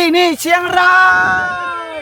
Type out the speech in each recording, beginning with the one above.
ที่นี่เชียงราย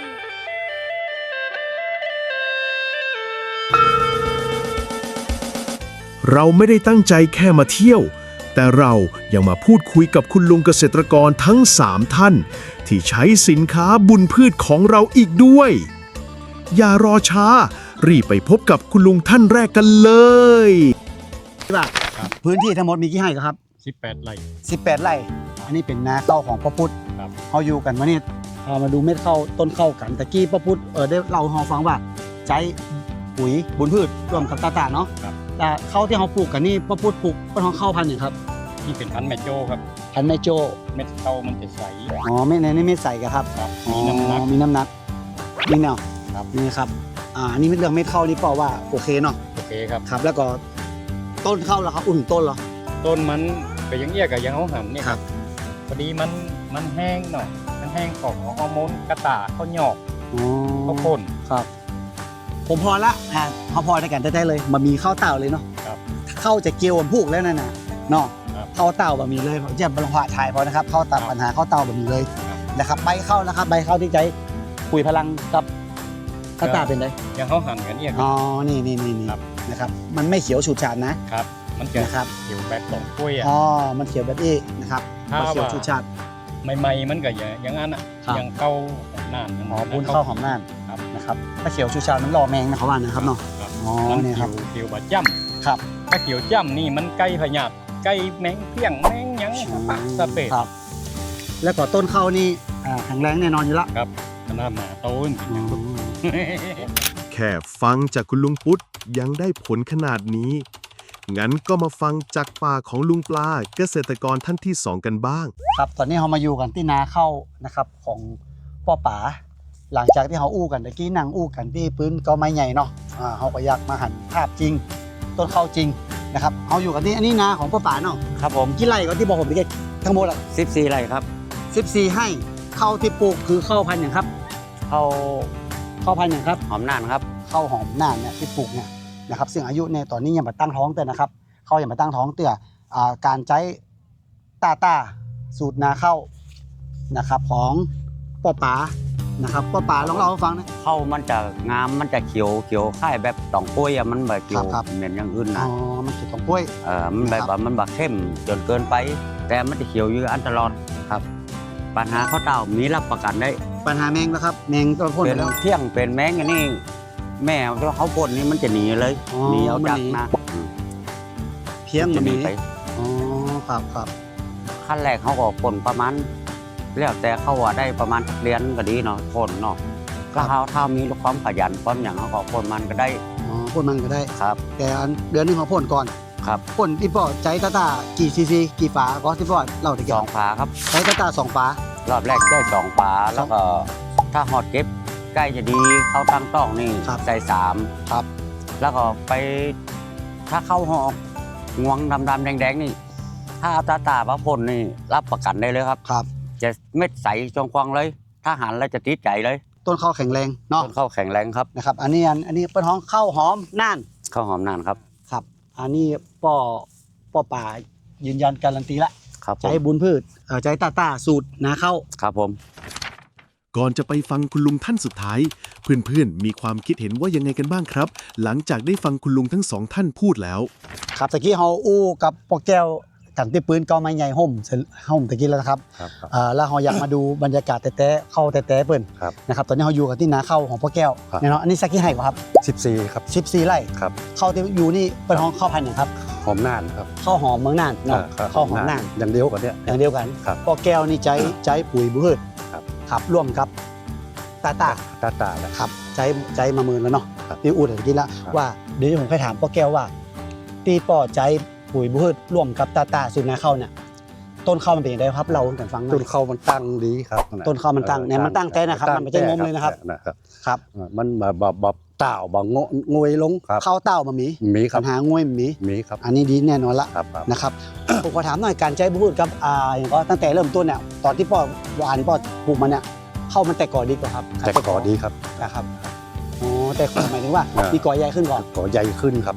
เราไม่ได้ตั้งใจแค่มาเที่ยวแต่เรายังมาพูดคุยกับคุณลุงเกษตรกรทั้ง3ท่านที่ใช้สินค้าบุญพืชของเราอีกด้วยอย่ารอช้ารีบไปพบกับคุณลุงท่านแรกกันเลยพื้นที่ทั้งหมดมีกี่ไร่ครับ 18 ไร่ 18 ไร่อันนี้เป็นนาข้าวของพ่อพุทธเขาอยู่กันมาเนี่ยมาดูเม็ดข้าวต้นข้าวกันตะกี้พ่อพุทธได้เล่าให้เราฟังว่าใช้ปุ๋ยบุญพืชร่วมกับตาๆเนาะแต่ข้าวที่เขาปลูกกันนี่พ่อพุทธปลูกเป็นข้าวพันธุ์อย่างครับนี่เป็นพันธุ์แมโจ้ครับพันธุ์แมโจ้เม็ดข้าวมันจะใสเม็ดในนี่เม็ดใสครับมีน้ำหนักนี่เนาะนี่ครับนี่เรื่องเม็ดข้าวนี่เปล่าว่าโอเคเนาะโอเคครับครับแล้วก็ต้นข้าวเหรอครับอุ่นต้นเหรอต้นมันก็ยังเอี้ยกับยังเขาหั่นเนี่ยครับพอดีมันแห้งหน่อยมันแห้งของฮอร์โมนกระต่ายข้าวหยอกข้าวข้นครับผมพอละเขาพอในการได้เลยมามีข้าวเต่าเลยเนาะข้าวจะเกี่ยวผูกแล้วนั่นน่ะเนาะข้าวเต่าบะมีเลยผมจะบรรพถ่ายพอนะครับข้าวตัดปัญหาข้าวเต่าบะมีเลยนะครับใบข้าวนะครับใบข้าวที่ใช้ปุ๋ยพลังกับกระต่ายเป็นไรยังเขาหั่นกันเนี่ยนี่นะครับมันไม่เขียวฉูดฉาดนะครับมันเขียวแบบสองกล้วยมันเขียวแบบนี้นะครับเขียวฉูดฉาดใหม่ๆมันก็อย่างนั้นอ่ะยังเก้าหอมน่านบุญข้าวหอมน่านนะครับถ้าเขียวชูชามันรอแมงนะครับว่านะครับเนาะนี่ครับเขียวบะจ้ำครับถ้าเขียวจ้ำนี่มันไก่พญาตไก่แมงเพี้ยงแมงยังปักสเปดครับแล้วก็ต้นข้าวนี่แข็งแรงแน่นอนอยู่แล้วครับขนาดหนาโตนแค่ฟังจากคุณลุงปุ๊ดยังได้ผลขนาดนี้งั้นก็มาฟังจากปากของลุงปลาเกษตรกรท่านที่2กันบ้างครับตอนนี้เรามาอยู่กันที่นาข้าวนะครับของพ่อป๋าหลังจากที่เขาอู้กันตะกี้นั่งอู้กันที่พื้นก็ไม้ใหญ่เนาะเขาก็อยากมาหันภาพจริงต้นข้าวจริงนะครับเขาอยู่กันที่อันนี้นาของพ่อป๋าเนาะครับผมกี่ไร่ก็ที่บอกผมไปทั้งหมด 14 ไร่ครับ 14ให้ข้าวที่ปลูกคือข้าวพันธุ์อย่างครับข้าวพันธุ์อย่างครับหอมน่านครับข้าวหอมน่านเนี่ยที่ปลูกเนี่ยนะครับซึ่งอายุในตอนนี้ยังมาตั้งท้องแต่นะครับเขายังมาตั้งท้องเตื่อการใช้ตาสูตรนาข้าวนะครับของพ่อป๋านะครับพ่อป๋าลองเล่าให้ฟังนะข้าวมันจะงามมันจะเขียวค่ายแบบตองกล้วยมันแบบเขียวเหมือนอย่างอื่นนะมันเขียวตองกล้วยมันแบบมันแบบเข้มจนเกินไปแต่มันจะเขียวอยู่อันตลอดครับปัญหาข้าวเต่ามีรับประกันได้ปัญหาแมงนะครับแมงก็พ่นไปแล้วเที่ยงเป็นแมงอย่างนี้แม่เขาพ่นนี่มันจะหนีเลยหนีเอาจากนะเพียงมันหนีไปครับขั้นแรกเขาก็พ่นประมาณแล้วแต่เขาว่าได้ประมาณเดือนก็ดีเนาะพ่นเนาะก็เขาถ้ามีความขยันความอย่างเขาก็พ่นมันก็ได้พ่นมันก็ได้ครับแต่เดือนนึงเขาพ่นก่อนครับพ่นที่พ่อใจตากี่ซีซีกี่ฝาก็ที่พ่อเล่าถึง 2 ฝาครับใจตา2 ฝารอบแรกได้2 ฝาแล้วก็ถ้าหอดเก็บใกล้จะดีเขาตั้งต้องนี่ใส่3 ครับแล้วก็ไปถ้าเข้าหอกงวงดำๆแดงๆนี่ถ้าเอาตาพระพ่นนี่รับประกันได้เลยครับจะเม็ดใสจงควังเลยถ้าหันแล้วจะติดใจเลยต้นข้าวแข็งแรงเนาะต้นข้าวแข็งแรงครับนะครับอันนี้เป็นห้องข้าวหอมน่านข้าวหอมน่านครับครับอันนี้พ่อป่ายืนยันการันตีละใจบุญพืชใจตาสูตรนาข้าวครับผมก่อนจะไปฟังคุณลุงท่านสุดท้ายเพื่อนๆมีความคิดเห็นว่ายังไงกันบ้างครับหลังจากได้ฟังคุณลุงทั้ง2ท่านพูดแล้วครับตะกี้เฮาอู้กับพ่อแก้วกันที่ปืนก็ไม้ใหญ่ห่มตะกี้แล้วนะครับแล้วเราอยากมาดูบรรยากาศแต่เข้าแต่เปิ้นนะครับตอนนี้เราอยู่กันที่นาข้าวของพ่อแก้วเนาะอันนี้สักกี่ไร่ครับ 14ครับ 14 ไร่ครับข้าวที่อยู่นี่เป็นห้องข้าวพันธุ์อย่างครับหอมน่านครับข้าวหอมเมืองน่านเนาะข้าวหอมน่านอย่างเดียวกันเนี่ยอย่างเดียวกันพ่อแก้วนี่ใจปุ๋ยบุญพืชครับร่วมกับตาครับใจมาหมื่นแล้วเนาะที่อูดตะกี้แล้วว่าเดี๋ยวผมเคยถามพ่อแก้วว่าตีป่อใจปุ๋ยบุญพืชร่วมกับตาสูตรนาข้าวเนี่ยต้นข้าวมันเป็นยังไงครับเรากันฟังต้นข้าวมันตั้งดีครับต้นข้าวมันตั้งเนี่ยมันตั้งใจนะครับมันไม่ใช่งมเลยนะครับครับมันแบบเต่าบางงวยลงข้าวเต่ามันมีปัญหางวยมีครับอันนี้ดีแน่นอนละนะครับผมขอถามหน่อยการใจบุญพืชครับอย่างก็ตั้งแต่เริ่มต้นเนี่ยตอนที่พ่อวานพ่อปลูกมันเนี่ยข้าวมันแต่ก่อดีกว่าครับแต่ก่อดีครับนะครับแต่ก่อหมายถึงว่ามีก่อใหญ่ขึ้นก่อนก่อใหญ่ขึ้นครับ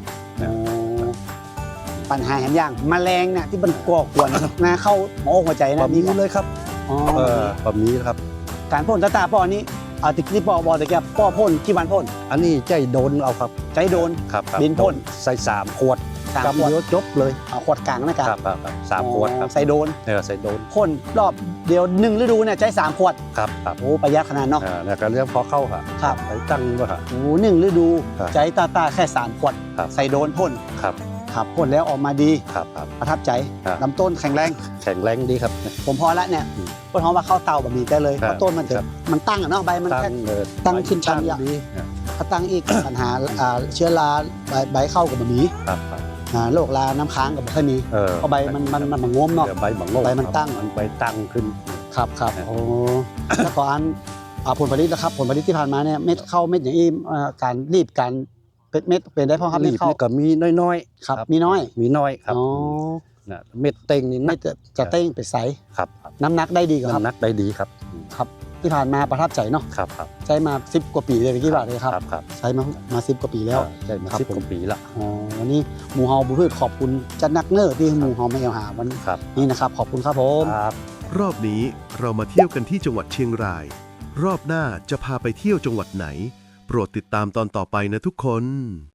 ปัญหาเห็นอย่างแมลงเนี่ยที่มันก่อกวนนาเข้าหัวใจนะมีเลยครับอ๋อบะหมี่ครับการพ่นตาป้อนี้ติกที่ป้อบอตะเกียบป้อพ่นกี่วันพ่นอันนี้ใจโดนเอาครับใจโดนครับครับบินพ่นใส่3 ขวด 3 ขกำวดเดียวจบเลยขวดกลางนะคครัรับบครับ3 ขวดครับใส่โดนใส่โดนพ่นรอบเดียว1ฤดูเนี่ยใจ3 ขวดครับครับโอ้ประหยัดขนาดเนาะแล้วก็เรื่องพอเข้าค่ะครับไปตั้งว่าค่ะโอ้1ฤดูครับใจตาแค่3 ขวดครับใส่โดนพ่นครับครับพ่นแล้วออกมาดีครับครับประทับใจครับลำต้นแข็งแรงแข็งแรงดีครับผมพอละเนี่ยอืมต้นหอมว่าเข้าเตาแบบนี้ได้เลยครับเพราะต้นมันจะครับมันตั้งอะเนาะใบมันตั้แค่งตั้งขึ้นชั้นดีถ้าตั้งอีก ปัญหาเชื้อราใบเข้ากับแบบนี้ครับครับโรคราน้ำค้างกับไม่ค่อยมีเพราะใบมันงมเนาะเดี๋ยวใบบังโลกใบมันตั้งมันใบตั้งขึ้นครับครับโอ้แล้วก็ผลผลิตนะครับผลผลิตที่ผ่านมาเนี่ยเม็ดเข้าเม็ดอย่างนี้การรีบการเม็ดเป็นได้เพราะครับรีเม็ดบเข้านี่ก็มีน้อยครับมีน้อยมีน้อยครับอ๋อนะเม็ดเต็งนี่ไม่นักจะเต้งไปใสครับครับน้ำหนักได้ดีกว่าครับน้ำหนักได้ดีครับครับ ที่ผ่านมาประทับใจเนาะครับครับใช้มา10 กว่าปีเลยเมื่อกี้บอกเลยครับครับใช้มา10 กว่าปีแล้วใช่มาครับ 10 ผมกว่าปีละอ๋อวันนี้หมูเฮาบุพืชขอบคุณจัดนักเนอร์ที่หมูเฮาไม่เอาหาวันครับนี้นะครับ ขอบคุณครับผมครับรอบนี้เรามาเที่ยวกันที่จังหวัดเชียงราย รอบหน้าจะพาไปเที่ยวจังหวัดไหน โปรดติดตามตอนต่อไปนะทุกคน